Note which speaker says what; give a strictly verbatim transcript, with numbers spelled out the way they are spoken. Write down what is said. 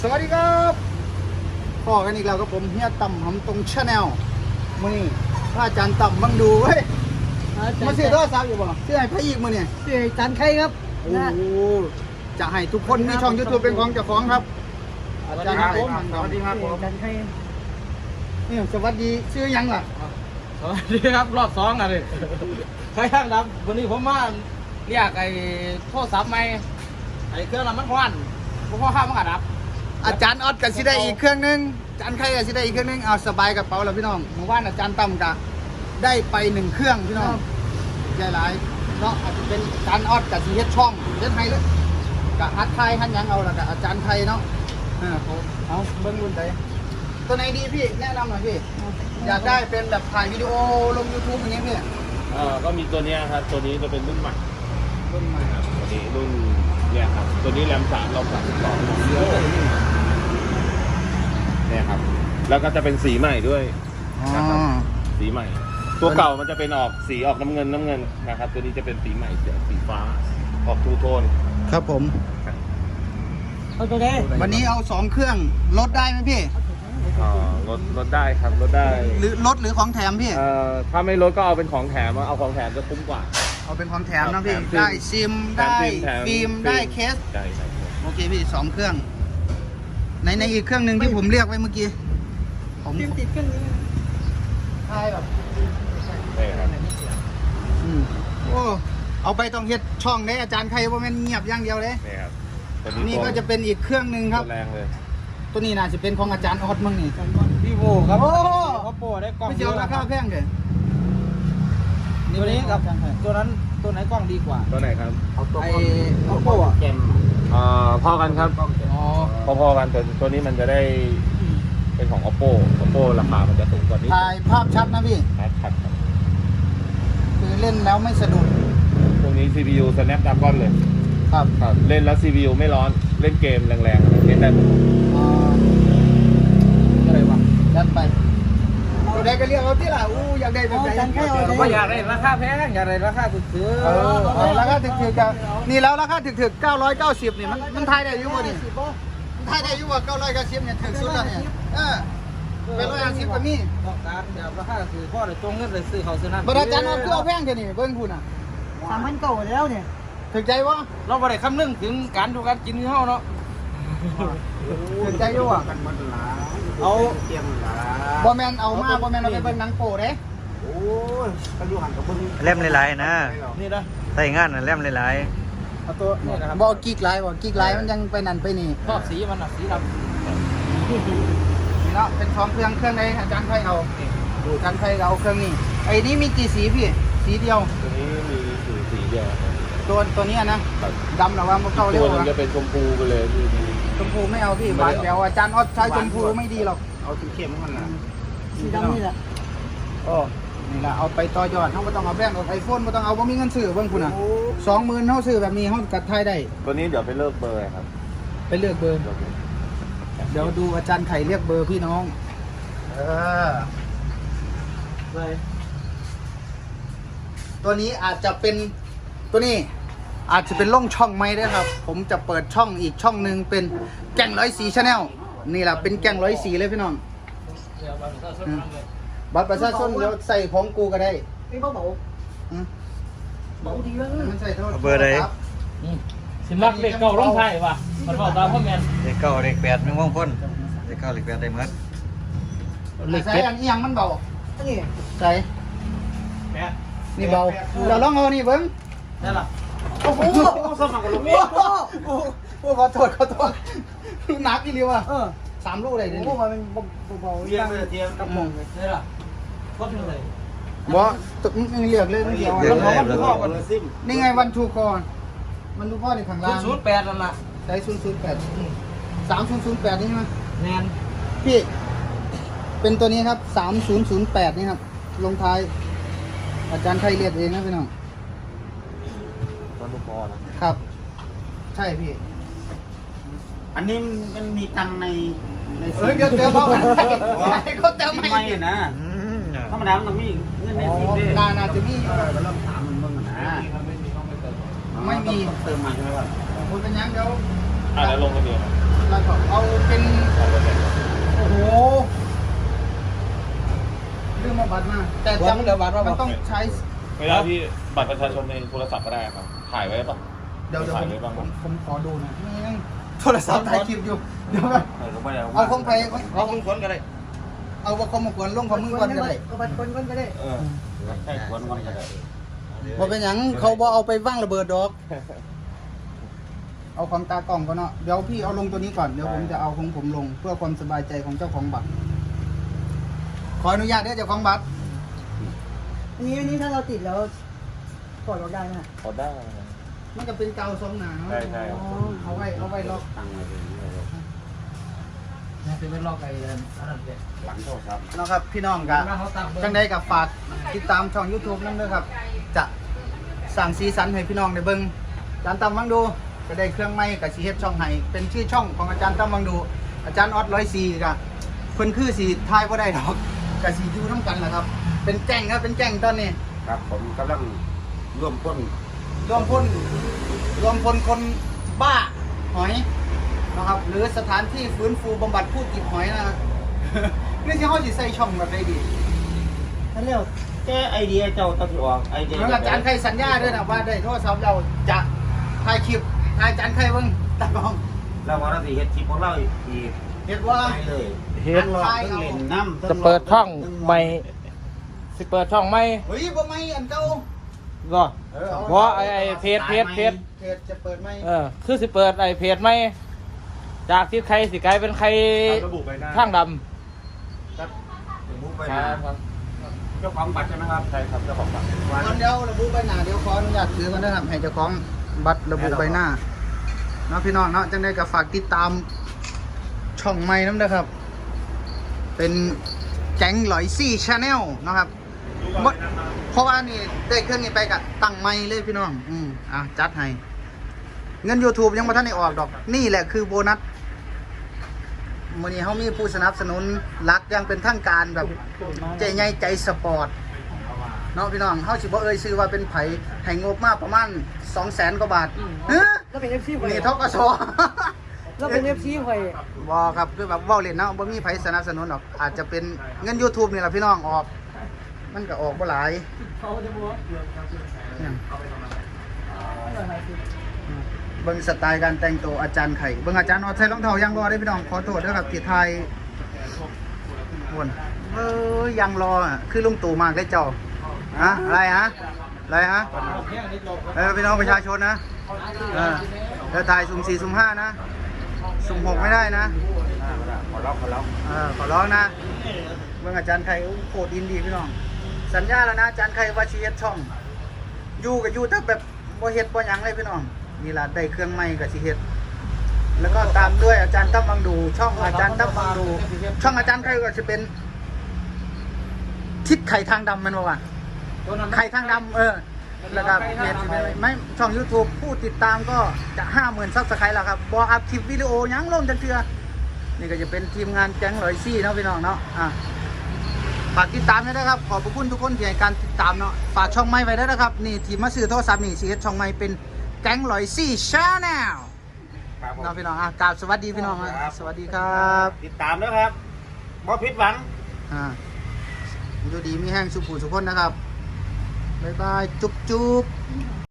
Speaker 1: สวัสดีครับพ่อกันอีกแล้วกับผมเฮียต่ำหำตรงชาแนลมือนี่พระอาจารย์ต่ำบังดูเว้ยมาซื้อโทรศัพท์อยู่บ่ซื้อให้พระอีกมือเนี่ย
Speaker 2: ชื่อจันไข่ครับ
Speaker 1: โอ้โหจะให้ทุกคนมีช่องยูทูบเป็นของเจ้าของครับอาจารย์ครับผมสวัสดีครับผม
Speaker 2: จันไข่
Speaker 1: นี่สวัสดีชื่อยังล่ะ
Speaker 3: สวัสดีครับรอบสองอ่ะเลยใครยังครับวันนี้ผมมาเรียกไอ้โทรศัพท์ใหม่ไอ้เครื่องน้ำมันควันผมพ่อข้ามมันกระดับ
Speaker 1: อาจารย์ออดกับสิได้อีกเครื่องนึงอาจารย์ใครกับสิได้อีกเครื่องนึงเอาสบายกับเป๋าแล้วพี่น้องเมื่อวานอาจารย์ต่ำกะได้ไปหนึ่งเครื่องพี่น้องใหญ่หลายเนาะอาจจะเป็นอาจารย์ออดกับสีเฮ็ดช่องเฮ็ดไทยเลยกะฮัดไทยฮัดหยังเอาละกะอาจารย์ไทยเนาะเออเอาเบิ้งรุ่นใดตัวไหนดีพี่แนะนำหน่อยพี่อยากได้เป็นแบบถ่ายวิดีโอลง YouTube อย่างเงี้ยพี่
Speaker 4: เอ่อก็มีตัวเนี้ยครับตัวนี้จะเป็นรุ่นใหม่
Speaker 1: รุ่นใหม่
Speaker 4: ครับตัวนี้รุ่นเนี่ยครับตัวนี้แรมสามรอมสามสิบสองเนี่ยครับแล้วก็จะเป็นสีใหม่ด้วย
Speaker 1: อ๋อ
Speaker 4: นะครับสีใหม่ ตัวเก่ามันจะเป็นออกสีออกน้ำเงินน้ำเงินนะครับตัวนี้จะเป็นสีใหม่สีสีฟ้าออกทูโทน
Speaker 1: ครับผม
Speaker 2: เอาตัวไหน
Speaker 1: วันนี้เอาสองเครื่องลดได้ไหมพี่
Speaker 4: อ่าลดลดได้ครับลดได้
Speaker 1: หรือลดหรือของแถมพี่
Speaker 4: เอ่อถ้าไม่ลดก็เอาเป็นของแถมเอาของแถมจะคุ้มกว่า
Speaker 1: เอาเป็นของแถมนะพี่
Speaker 4: แถมฟิล์ม
Speaker 1: ได้ซิม
Speaker 4: แถม
Speaker 1: ได้
Speaker 4: ฟิล์มแถม
Speaker 1: ฟิล์ม
Speaker 4: ฟิล์ม
Speaker 1: ได้เคส
Speaker 4: ใช่ใช่ครับ
Speaker 1: โอเคพี่สองเครื่อง ในในอีกเครื่องหนึ่งที่ผมเรียกไว้เมื่อกี้ผม
Speaker 2: ฟิล์มติดเครื่องนี้
Speaker 1: ทายแบบ
Speaker 4: ใช่ครับ
Speaker 1: อืมโอ้เอาไปต้องเฮ็ดช่องได้อาจารย์ใครว่าแม่นเงียบอย่างเดียวเลย
Speaker 4: นี่ครับตัว
Speaker 1: นี่
Speaker 4: ตัว
Speaker 1: ก็จะเป็นอีกเครื่องหนึ่งครับ
Speaker 4: ตัวแรงเลย
Speaker 1: ตัวนี้น่าจะเป็นของอาจารย์ออดมั้งนี่
Speaker 3: พี่โบครับ
Speaker 1: โอ้
Speaker 3: เขาโปรได้กล้อง
Speaker 1: ไม่เจียวราคาแพงเด้อ
Speaker 3: ตัวนี้กับ
Speaker 1: อาจารย์ไทย
Speaker 3: ตัวนั้นตัวไหนกล้องดีกว่า
Speaker 4: ตัวไหนครับ
Speaker 3: ไอ้โอโป้อะ
Speaker 4: เอ่อพอกันครับ
Speaker 3: อ๋อ
Speaker 4: พอๆกันตัวตัวนี้มันจะได้เป็นของ oppo oppo ราคามันจะสูงกว่านี้
Speaker 1: ถ่ายภาพชัดนะพี่
Speaker 4: ชัดชัดครับ
Speaker 1: คือเล่นแล้วไม่สะดุด
Speaker 4: ตรงนี้ ซี พี ยู Snapdragon เลย
Speaker 1: ครับ
Speaker 4: ครับเล่นแล้ว ซี พี ยู ไม่ร้อนเล่นเกมแรงๆเล่นได้หมด
Speaker 1: อ่า
Speaker 3: อะไรวะ
Speaker 1: ยัดไปตัวใดก็เรียกเอาที่ล่ะอู้อยากได้แบบไหน
Speaker 2: จันไข่เอา
Speaker 3: ผม
Speaker 2: ตัว
Speaker 3: ก็
Speaker 2: ไหน
Speaker 3: อยากได้ราคาแพงอยากได้ราคาถูกซื้อ
Speaker 1: เออเอาราคาถึกๆกันนี่แล้วราคาถึกๆเก้าร้อยเก้าสิบนี่มันมันทายได้อยู่บ่นี่มันทายได้อยู่ว่าเก้าร้อยเก้าสิบเนี่ยถึกสุดแล้วเนี่ยเออเป็นร้อยห้าสิบก็มี
Speaker 3: ต้องการแบบราคาคือพ่อได้ตรงเงินเลยซื้อเขาซื้อนั่น
Speaker 1: บริจาคเอาคือเอาแพงเดี๋ยวนี้เบิ่งคุณอ่ะ
Speaker 2: สามพันเก่าแล้วเนี่ย
Speaker 1: ถึกใจวะ
Speaker 3: เราไม่ได้คำนึงถึงการดูการกินของเขาเนาะ
Speaker 1: ถึกใจอยู่อ่ะ
Speaker 3: เอา
Speaker 1: บ่แม่นเอามาบ่แม่นเอาไปเบิ่งหนังโป้เด้
Speaker 5: เล่มหลายๆนะ
Speaker 3: นี่นะ
Speaker 5: ใส่งานนะเล่มหลาย
Speaker 3: เอาตัวนี่นะครับ
Speaker 1: บ่กิ๊กหลายบ่กิ๊กหลายมันยังไปนั่นไปนี่
Speaker 3: ชอบสีมันอ่ะสีดำ
Speaker 1: นี่เนาะเป็นของเครื่องเครื่องใดอาจารย์ไทยเอาดูอาจารย์ไทยเอาเครื่องนี้ไอ้นี้มีกี่สีพี่สีเดียว
Speaker 4: ตัวนี้มีสีสีเดียวครับ
Speaker 1: ตัวตัวนี้นะดำหรือว่ามันเข้าเร็
Speaker 4: ตัว วหนึง
Speaker 1: อะ
Speaker 4: จะเป็นชมพูไปเลยคือ
Speaker 1: ชมพูไม่เอาพี่หวานเดี๋ยวอาจารย์ออดใช้ชมพูไม่ดีหรอก
Speaker 4: เอาสีเข้มมันนะ
Speaker 2: สีดำนี่แหละ
Speaker 1: โอ้นี่แหละเอาไปต่อยอดเขาไม่ต้องเอาแบงค์เอาไอโฟนไม่ต้องเอาเพราะมีเงินซื้อเบิ่งคุณอ่ะสองหมื่นเขาซื้อแบบนี้เขากัดไทยได้
Speaker 4: ตัวนี้เดี๋ยวไปเลิกเบอร์ครับ
Speaker 1: ไปเลือกเบอร์
Speaker 4: เลิกเบอร์
Speaker 1: เดี๋ยวดูอาจารย์ไข่เรียกเบอร์พี่น้องเออ
Speaker 3: เลย
Speaker 1: ตัวนี้อาจจะเป็นตัวนี้ อาจจะเป็นล่องช่องไหมด้วยครับ ผมจะเปิดช่องอีกช่องหนึ่งเป็นแก่งร้อยสีชาแนลนี่แหละเป็นแก่งร้อยสีเลยพี่น้องอืมบัตรประชาชนเดี๋ยวใส่ของกูก็ได้
Speaker 2: ไม่เบาเบา
Speaker 1: อืม
Speaker 2: เบาดีแล้ว
Speaker 1: มันใส่โทษ
Speaker 5: ๆเบอร์ใด
Speaker 3: สิมักเด็กเก่าร้องไห้ว่ะมันบอกตามพ่อแม่
Speaker 5: เลขเก้าเลขแปดไม่ว่องพ้นเลขเก้าเลขแปดได้หมด
Speaker 1: ใส่อันนี้ยังมันเบา
Speaker 2: อันนี้
Speaker 1: ใส่
Speaker 3: แม่
Speaker 1: นี่เบาเราลองเอานี่เบิ้ง
Speaker 3: ได้ละ
Speaker 1: โอ้โหสมัครกับลูกโอ้โหขอโทษขอโทษหนักอีหลีว่ะ
Speaker 2: เออ
Speaker 1: สามลูกเลยเดี๋ยว
Speaker 2: โอ้
Speaker 1: นี้
Speaker 2: มันเป็นเบาๆ
Speaker 3: เทียมเลยเทียมกับมงได้ละก็เป็นเลย
Speaker 1: บ่ตึกมึงเรียกเลยมึงเดียว
Speaker 5: เดี๋ยว
Speaker 1: อะ
Speaker 5: ได้แล้ว
Speaker 1: นี่ไงวันทูกรมันทูกรในข้างล่าง
Speaker 3: ศูนย์แปดนั่นละ
Speaker 1: ใช้ศูนย์ศูนย์แปดสามศูนย์ศูนย์แปดนี่ใช่ไหม
Speaker 3: แมน
Speaker 1: พี่ เป็นตัวนี้ครับสามศูนย์ศูนย์แปดนี่ครับ ลงท้าย อาจารย์ไทยเรียกเองนะพี่น้อง
Speaker 4: ต้นลูกบอลนะ
Speaker 1: ครับ ใช่พี่
Speaker 6: อันนี้มันมีตังค์ในใน
Speaker 1: เฮ้ยเดี๋ยวเดี๋ยวพ่อมันให้เขาเติม
Speaker 6: ไม่
Speaker 1: ให้
Speaker 6: นะ
Speaker 5: อืม
Speaker 6: ธรรมดามันต้องมีเงินใน
Speaker 1: อ๋อ
Speaker 6: สิบเด้
Speaker 1: นานาจะมี
Speaker 6: เออมันต้องถามมันเบิ่งนะ
Speaker 1: ไม่มี
Speaker 6: ต้องเติมมาใช่ไหมครับ
Speaker 1: คุณเป็นยังเดี๋ยว
Speaker 4: อ่ะแล้วลงกันเดียว
Speaker 1: ลแล้วก็เอาเป็นโอ้โหเรื่องมาบัตรมาแต่จำมันต้องใช้
Speaker 4: เวลาที่บัตรประชาชนในโทรศัพท์ก็ได้ครับถ่ายไว้ป่ะ
Speaker 1: เดี๋ยวเดี๋ยว
Speaker 4: ถ่า
Speaker 1: ผ
Speaker 4: ย
Speaker 1: ม
Speaker 4: ไว้บ้าง
Speaker 1: ผมผมขอดูหนะนี่ยังโทรศัพท์ถ่ายคลิปอยู่เดี๋ยวก่อน
Speaker 6: เออก็ไม่ได้
Speaker 1: เอาของไผ
Speaker 3: เอาคนคนก็ได้
Speaker 1: เอาว่าเขามาขวนลงของมึงก่อนก็ได้
Speaker 2: เอาบัตรคนก่อนก็ได้
Speaker 6: เออใช่ควรก่อนก็ได้
Speaker 1: บ่เป็นหยังเขาบ่เอาไปว่างระเบิดดอก เอาของตากล้องก่อนเนาะเดี๋ยวพี่เอาลงตัวนี้ก่อนเดี๋ยวผมจะเอาของผมลงเพื่อความสบายใจของเจ้าของบัตรขออนุญาตเด้อเจ้าของบัตร
Speaker 2: อันนี้อันนี้ถ้าเราติดแล้วถอดออกได้ไหม
Speaker 4: พอได้
Speaker 1: มันก็เป็นกาวทรงหนาเนาะ
Speaker 4: ใช่ใช่
Speaker 1: อ๋อเอาไว้เอาไว้ล็อก
Speaker 6: ตั้งไว้เลย
Speaker 3: นี่เป็นเป็นลอกไอ้อันนั้นเนี่ย
Speaker 6: หลังโทรศัพท์
Speaker 1: เนาะครับพี่น้องกัน
Speaker 3: เขาตั้งเบอร์
Speaker 1: จังได้กับฝากติดตามช่อง YouTube นั่นด้วยครับ จะสั่งสีสันให้พี่น้องได้เบิ่งอาจารย์ตามวังดูจะได้เครื่องไม้กับสีเฮ็ดช่องให้เป็นชื่อช่องของอาจารย์ตามวังดู อาจารย์ออดร้อยสี่กะเพิ่นคือสีทายบ่ได้ดอกกับสีอยู่น้ำกันแหละครับ เป็นแจ้งครับเป็นแจ้งตอนนี้
Speaker 6: ครับผมกำลังร่วมพ้น
Speaker 1: รวมพลรวมพลคนบ้าหอยนะครับ หรือสถานที่ฟื้นฟูบำบัดผู้ติดหอยนะครับ นี่ที่เขาสิใส่ช่องแบบใดดี
Speaker 2: นั่นเร็ว
Speaker 6: แก้ไอเดียเจ้าต้องออกไอเดีย
Speaker 1: แล้วอาจารย์ใครสัญญาด้วยนะว่าได้โทรศัพท์เราจะถ่ายคลิปถ่ายอาจารย์ใครเบิ่งตากล้อง
Speaker 6: เราว่าเราสิเฮ็ดคลิปของเราอีก
Speaker 1: เห็นว่า
Speaker 6: ไปเลย
Speaker 3: เฮ็ด
Speaker 1: ถ่าย
Speaker 6: ต้อง
Speaker 1: เอา
Speaker 6: เล่นน้ำ
Speaker 3: จะเปิดช่องใหม่สิเปิดช่องใหม่
Speaker 1: เฮ้ยบ่ไม่อันเก่า
Speaker 3: ก็
Speaker 1: เออเอา
Speaker 3: เพราะไอ้ไอ้เพจเพจเพจ
Speaker 1: เพจจะเปิดไหม
Speaker 3: เออคือสิเปิดไอ้เพจใหม่จากที่ใครสิกลายเป็นใคร
Speaker 4: ระบุไปหน้า
Speaker 3: ทางด
Speaker 6: มุกไป
Speaker 3: ำ
Speaker 6: นะครับ เจ้าของบัตรใช่ไหมครับ
Speaker 4: ใช่ครับเจ้าของบัตร
Speaker 1: ก่อนเดี๋ยวระบุใบหน้าเดี๋ยวขออนุญาตถือกันนะครับให้เจ้าของบัตรระบุใบหน้าเนาะพี่น้องเนาะจังได้ก็ฝากติดตามช่องใหม่น้ำนะครับ เป็นแก๊งหลอยซี่ชาแนลนะครับบ่เพราะว่านี่ได้เครื่องนี้ไปกับตั้งไม้เลยพี่น้อง อืมอ่ะจัดให้ เงิน YouTube ยังไม่ทันได้ออกดอก นี่แหละคือโบนัสมื้อนี้เขามีผู้สนับสนุนรักอยังเป็นทางการแบบใจใหญ่ใจสปอร์ตเนาะพี่น้องเขาสิบ่เอ่ยชื่อว่าเป็นไผให้งบมาประมาณ สองแสน กว่าบาทเฮ้ย
Speaker 2: แล้วเป็นเอฟซีไฟ
Speaker 1: นี่ทกส
Speaker 2: แล้วเป็นเอฟซีไฟ
Speaker 1: บ่ครับคือแบบเว้าเล่นเนาะบ่มีไผสนับสนุนหรอกอาจจะเป็นเงิน YouTube นี่แหละพี่น้องออก มันก็ออกบ่หลายเนี่ยเบิ่งสไตล์การแต่งตัวอาจารย์ไข่เบิ่งอาจารย์เอาใส่รองเท้ายังรอได้พี่น้องขอโทษด้วยครับที่ไทยวนเอ้ยยังรออ่ะคือลุงตู่มากได้เจ้าฮะอะไรฮะอะไรฮะเออพี่น้องประชาชนนะเออแล้วถ่ายสุ่มสี่สุ่มห้านะสุ่มหกไม่ได้นะ
Speaker 6: ขอร้องขอร้อง
Speaker 1: เออขอร้องนะเบิ่งอาจารย์ไข่โคตรอินดีพี่น้องสัญญาแล้วนะอาจารย์ไข่ว่าชีเฮ็ดช่องอยู่กับอยู่ถ้าแบบบ่เฮ็ดบ่หยังเลยพี่น้องนี่ล่ะได้เครื่องใหม่กับชีเฮ็ดแล้วก็ตามด้วยอาจารย์ตั้มบังดู ช่องอาจารย์ตั้มบังดู ช่องอาจารย์ไข่ก็จะเป็น ทิศไข่ทางดำมันบอกว่าไข่ทางดำเออแล้วก็เพจไม่ช่อง YouTube ผู้ติดตามก็จะห้าหมื่นซับสไครต์แล้วครับบออัพคลิปวิดีโอยังลงจังเทือนี่ก็จะเป็นทีมงานแก๊งร้อยซี่เนาะพี่น้องเนาะอ่ะฝากติดตามด้วยนะครับขอบพระคุณทุกคนที่ให้การติดตามเนาะฝากช่องไม้ไว้ด้วยนะครับนี่ทีมมาซื้อโทรศัพท์นี่ซีเอสช่องไม้เป็นแก๊งร้อยซี่ชาแนล
Speaker 6: ครับผม
Speaker 1: เนาะพี่น้องอ่ะกราบสวัสดีพี่น้องอ่ะสวัสดีครับ
Speaker 6: ติดตามนะครับบ่ผิดหวัง
Speaker 1: อ่าอยู่ดีมีแห้งสุขผู้สุขคนนะครับ บ๊ายบาย จุ๊บจุ๊บ